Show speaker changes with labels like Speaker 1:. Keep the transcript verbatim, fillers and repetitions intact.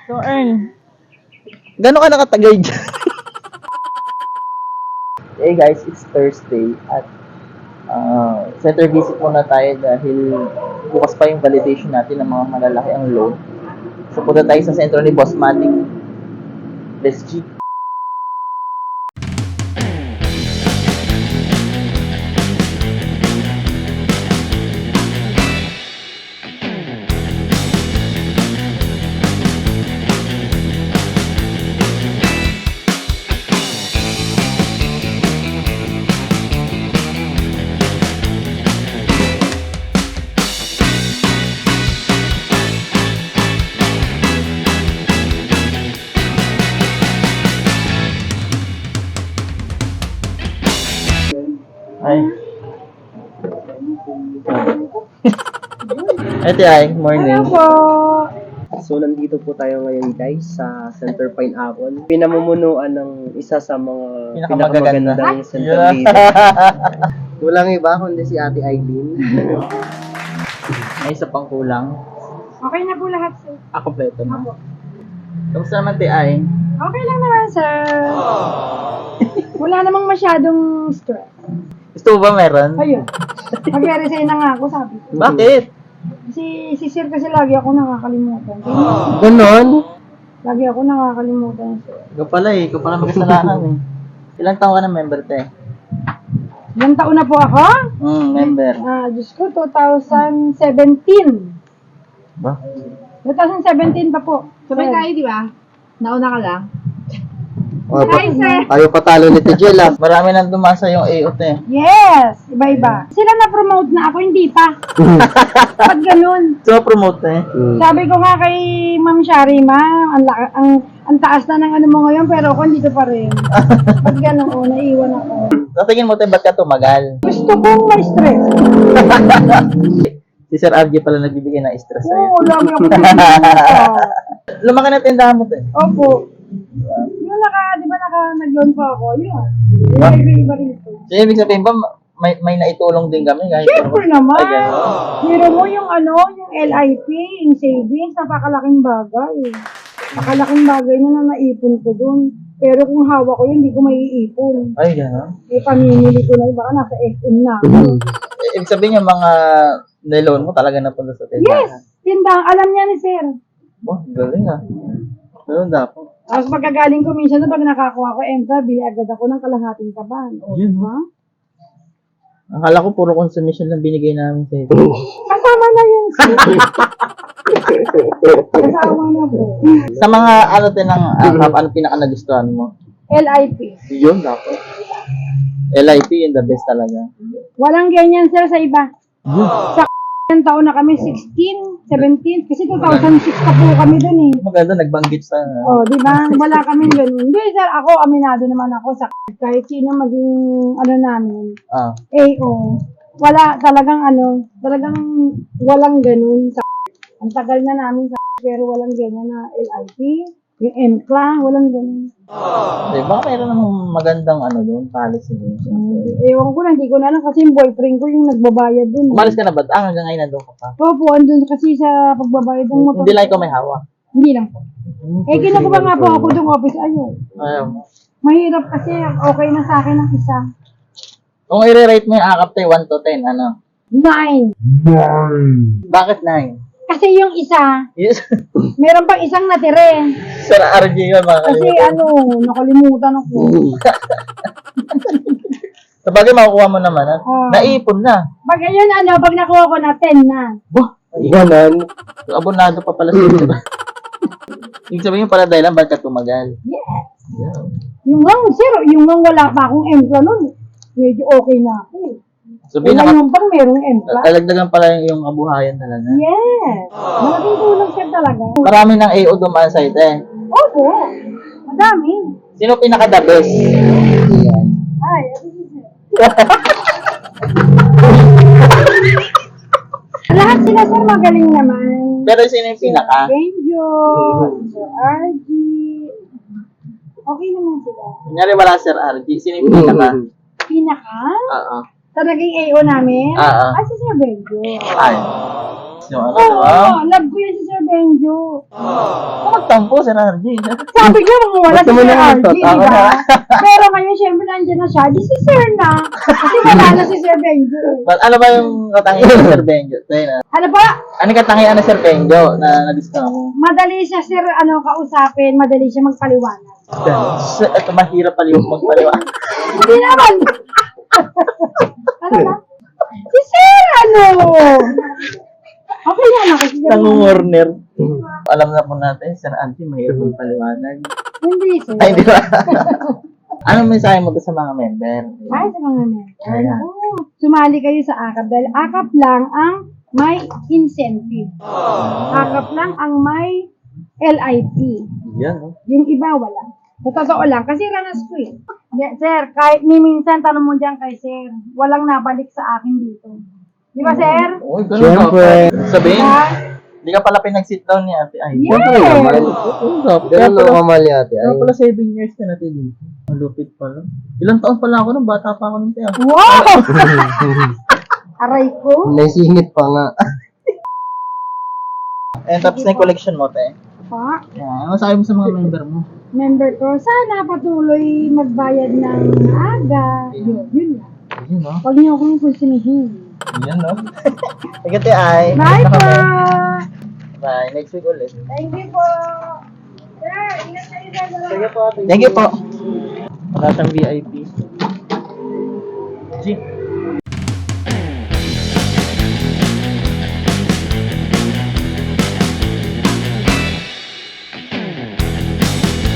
Speaker 1: So, Ern, gano'n ka nakatagay dyan? Hey guys, it's Thursday at uh, center visit muna tayo dahil bukas pa yung validation natin ng mga malalaki ang loan. So, punta tayo sa sentro ni Boss Matic. Let's G. Ay. Ate ay, morning.
Speaker 2: Hello po.
Speaker 3: So, nandito po tayo ngayon guys sa Center Pineapple. Pinamumunuan ng isa sa mga
Speaker 1: Pinakamagaganda.
Speaker 3: pinakamagandang center
Speaker 1: Yeah.
Speaker 3: dito. Walang iba kundi si Ate Aileen.
Speaker 1: May isa pang kulang.
Speaker 2: Okay na po lahat, sir.
Speaker 1: Ah, kompleto na.
Speaker 2: Opo.
Speaker 1: Kamusta naman, Te ay?
Speaker 2: Okay lang naman, sir. Wala namang masyadong stress.
Speaker 1: Gusto mo ba meron?
Speaker 2: Ayun. Mag-resign na nga ako, sabi ko.
Speaker 1: Bakit?
Speaker 2: Si, si sir kasi lagi ako nakakalimutan.
Speaker 3: Ganon?
Speaker 2: Lagi ako nakakalimutan, sir.
Speaker 1: Ikaw pala eh. Ikaw pala magkasalanan eh. Ilang taon ka na member, Te?
Speaker 2: Ilang taon na po ako?
Speaker 1: Hmm, member.
Speaker 2: Ah, Diyos ko, twenty seventeen.
Speaker 1: Ba?
Speaker 2: twenty seventeen pa po.
Speaker 4: Sabay
Speaker 2: Sir.
Speaker 4: tayo, di ba? Nauna ka lang.
Speaker 3: Oh,
Speaker 2: Hi, sir.
Speaker 3: ayaw patalo ni Tijel ah.
Speaker 1: Marami nang dumasa yung A O, Te.
Speaker 2: Yes! Iba-iba. Sila na-promote na ako, hindi pa. Ba't ganun?
Speaker 1: So, promote, Te.
Speaker 3: Hmm.
Speaker 2: Sabi ko nga kay Ma'am Sharima, ang, la- ang, ang taas na ng ano mo ngayon, pero ako dito pa rin. Ba't ganun? O, naiwan ako.
Speaker 1: Sa tingin mo, Te, ba't ka tumagal?
Speaker 2: Gusto kong ma-stress.
Speaker 1: Si Sir R J pala nagbibigay ng stress sa'yo.
Speaker 2: Oo, lagi ako nagsisimula.
Speaker 1: Lumaki na tindahan mo, Te.
Speaker 2: Opo. Yung naka, di ba naka, nag-loan pa ako, yun. Yung iba-iba rito.
Speaker 1: So, ibig sabihin ba, may, may naitulong din kami kahit...
Speaker 2: Siyempre naman.
Speaker 1: Ay, gano'n.
Speaker 2: Miro mo yung ano, yung L I P, yung savings, napakalaking bagay. Napakalaking bagay na na naipon ko dun. Pero kung hawak ko yun, hindi ko maiipon.
Speaker 1: Ay, gano'n.
Speaker 2: Eh, pamimili ko na yun, baka nasa S M na ako.
Speaker 1: Eh, ibig sabihin yung mga niloan mo talaga napunta sa tindahan.
Speaker 2: Yes! Tindang, alam niya ni sir.
Speaker 1: Oh, galing ah. Ganun dapat.
Speaker 2: Tapos pagkagaling ko, minsan na pag nakakuha ko Entra, bili agad ako ng kalahating kaban. O,
Speaker 1: Yun,
Speaker 2: diba?
Speaker 1: Akala ko puro consumption lang binigay namin sa iyo.
Speaker 2: Kasama na yun, sir. Kasama na po.
Speaker 1: Sa mga ano din ng uh, ano pinaka nagustuhan mo?
Speaker 2: L I P.
Speaker 1: Yun dapat. L I P yun the best talaga.
Speaker 2: Walang ganyan, sir, sa iba. Sa k***ng taon na kami, sixteen, seventeen, kasi two thousand six pa po kami dun eh.
Speaker 1: Maganda nagbanggit sa
Speaker 2: Oh, di ba? Wala kami ganun. Hindi, sir, ako, aminado naman ako sa kahit sino maging, ano namin,
Speaker 1: ah.
Speaker 2: A O. Wala, talagang ano, talagang walang ganun sa ang tagal na namin sa pero walang ganyan na L I P, yung M C L A, walang ganun.
Speaker 1: Di ba mayroon namang magandang ano doon, policy doon.
Speaker 2: Um, ewan ko na, hindi ko na lang kasi yung boyfriend ko yung nagbabayad dun.
Speaker 1: Umalis ka na ba? Ah, hanggang ngayon nandun ka pa.
Speaker 2: Opo, andun kasi sa pagbabayad ng motor.
Speaker 1: Hindi lang ikaw may hawak.
Speaker 2: Hindi lang po. Eh, kinukuha nga po ako ng office. Ayun.
Speaker 1: Ayaw.
Speaker 2: Mahirap kasi okay na sa akin ang isa.
Speaker 1: Kung i-rate mo yung akap tayo, one to ten, ano?
Speaker 2: Nine.
Speaker 1: Bakit nine?
Speaker 2: Kasi yung isa,
Speaker 1: Yes.
Speaker 2: meron pang isang natire.
Speaker 1: Sir R J yun, mga
Speaker 2: Kasi
Speaker 1: kalimutan.
Speaker 2: ano, nakalimutan ako.
Speaker 1: Sa bagay, makukuha mo naman, ha?
Speaker 2: Ah.
Speaker 1: Naipon na.
Speaker 2: Pag ayun, ano, pag nakuha ko na ten na.
Speaker 1: Bah,
Speaker 3: Ganon?
Speaker 1: abonado pa pala siya. Ibig sabihin pala dahil lang, ba't ka tumagal?
Speaker 2: Yes.
Speaker 1: Yeah.
Speaker 2: Yung nga, sir, yung nga wala pa akong empla nun. Medyo okay na ako eh.
Speaker 1: So,
Speaker 2: Kaya
Speaker 1: binaka,
Speaker 2: yung pang merong empla.
Speaker 1: talagdagan pala yung, yung abuhayan talaga.
Speaker 2: Yes. Malaking tulong sir talaga.
Speaker 1: Marami ng A O dumaan sa ito, eh.
Speaker 2: Opo. Madami.
Speaker 1: Sino pinaka-the best?
Speaker 2: Ay, ano si sir? Lahat sila sir magaling naman.
Speaker 1: Pero sino yung pinaka?
Speaker 2: Benjo, Sir R G. Okay naman sila.
Speaker 1: Kunyari wala Sir R G, sino yung pinaka?
Speaker 2: Pinaka?
Speaker 1: Oo.
Speaker 2: Sa naging A O namin?
Speaker 1: Ah, ah.
Speaker 2: Ah, si Sir Benjo.
Speaker 1: Ay. So, ano,
Speaker 2: Oo,
Speaker 1: diba?
Speaker 2: love ko yun si Sir Benjo.
Speaker 1: Kung nagtatampo, Sir R J.
Speaker 2: Sabi niya, wala
Speaker 3: Ba't
Speaker 2: si
Speaker 3: naman
Speaker 2: Sir
Speaker 3: naman
Speaker 2: R J,
Speaker 3: to?
Speaker 2: di
Speaker 1: Ako
Speaker 2: ba?
Speaker 1: na.
Speaker 2: Pero ngayon, syempre, nandiyan na siya. Di si Sir na. Kasi wala na si Sir Benjo.
Speaker 1: But ano ba yung katangian ng Sir Benjo? Tayo na.
Speaker 2: Ano ba?
Speaker 1: Ano yung katangian ng Sir Benjo na nagusto mo?
Speaker 2: Madali siya, Sir, ano, kausapin. Madali siya magpaliwanag.
Speaker 1: Sir, ito mahirap paliw magpaliwanag.
Speaker 2: Hindi naman. Ano ba? Si Sir, ano? Okay yan ako. Si Sir.
Speaker 1: Nangungurner. Alam na po natin, Sir Auntie, mahirap magpaliwanag.
Speaker 2: Hindi, Sir.
Speaker 1: Ay, di ba? Anong mensahe mo to sa mga member?
Speaker 2: Ay, sa mga men.
Speaker 1: Ayan.
Speaker 2: Oo. Sumali kayo sa AKAP dahil AKAP lang ang may incentive. AKAP lang ang may L I P.
Speaker 1: Yan, oh.
Speaker 2: Yung iba, wala. Sa totoo lang, kasi ranas ko eh. Di- sir, kahit ni minsan, tanong mo dyan kay Sir, walang nabalik sa akin dito. Di ba, Sir?
Speaker 1: Uy, ganun
Speaker 3: Siyempre.
Speaker 1: ka. Sabihin,
Speaker 2: Ha?
Speaker 1: hindi ka pala pinag-sit down ni Ate Ay.
Speaker 2: Yes!
Speaker 3: Ganun lang kamali ate.
Speaker 1: Kaya
Speaker 3: Ay,
Speaker 1: pala seven years na natin dito. Ang lupit pala. Ilang taon pala ako nung bata pa ako nung tiyan.
Speaker 2: Wow! Aray ko.
Speaker 3: naisingit pa nga.
Speaker 1: And tapos na yung collection mo, te.
Speaker 2: Pa,
Speaker 1: Yan. Ano sabi mo sa mga member mo?
Speaker 2: member ko, sana patuloy magbayad ng aga. Yun, yun lang.
Speaker 1: Yun, no?
Speaker 2: Huwag niyo akong kusinihin.
Speaker 1: Yun, no? Sige, te Ay.
Speaker 2: Bye
Speaker 1: Next na
Speaker 2: po!
Speaker 1: kami. Bye. Next week ulit.
Speaker 2: Thank you po! Sir, ingat kayo sa
Speaker 1: Sige po. Thank you po. Wala siyang V I P. G.